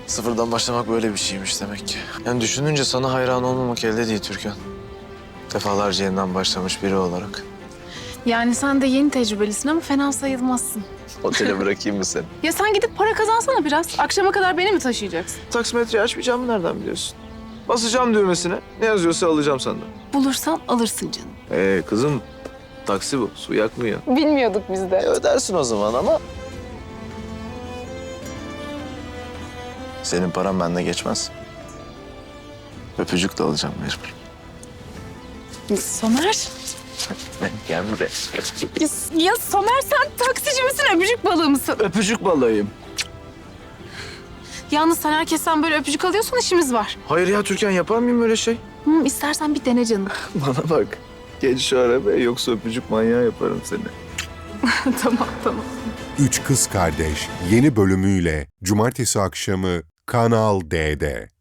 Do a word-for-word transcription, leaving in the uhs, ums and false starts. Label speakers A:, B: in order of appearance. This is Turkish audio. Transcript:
A: Sıfırdan başlamak böyle bir şeymiş demek ki. Yani düşününce sana hayran olmamak elde değil Türkan. Defalarca yeniden başlamış biri olarak.
B: Yani sen de yeni tecrübelisin ama fena sayılmazsın.
A: Otele bırakayım mı seni?
B: Ya sen gidip para kazansana biraz. Akşama kadar beni mi taşıyacaksın?
A: Taksimetreyi açmayacağımı nereden biliyorsun? Basacağım düğmesine. Ne yazıyorsa alacağım senden.
B: Bulursan alırsın canım.
A: Ee kızım, taksi bu. Su yakmıyor.
B: Bilmiyorduk biz de.
A: E, ödersin o zaman ama... Senin paran bende geçmez. Öpücük de alacağım mecbur.
B: Somer.
A: Gel buraya.
B: Ya, ya Somer sen taksici misin, öpücük balığı mısın?
A: Öpücük balığıyım.
B: Yalnız sen herkesten böyle öpücük alıyorsan işimiz var.
A: Hayır ya Türkan, yapar mıyım öyle şey?
B: Hı, istersen bir dene canım.
A: Bana bak. Geç şu arabaya, yoksa öpücük manyağı yaparım seni.
B: Tamam tamam.
C: Üç Kız Kardeş yeni bölümüyle Cumartesi akşamı Kanal D'de.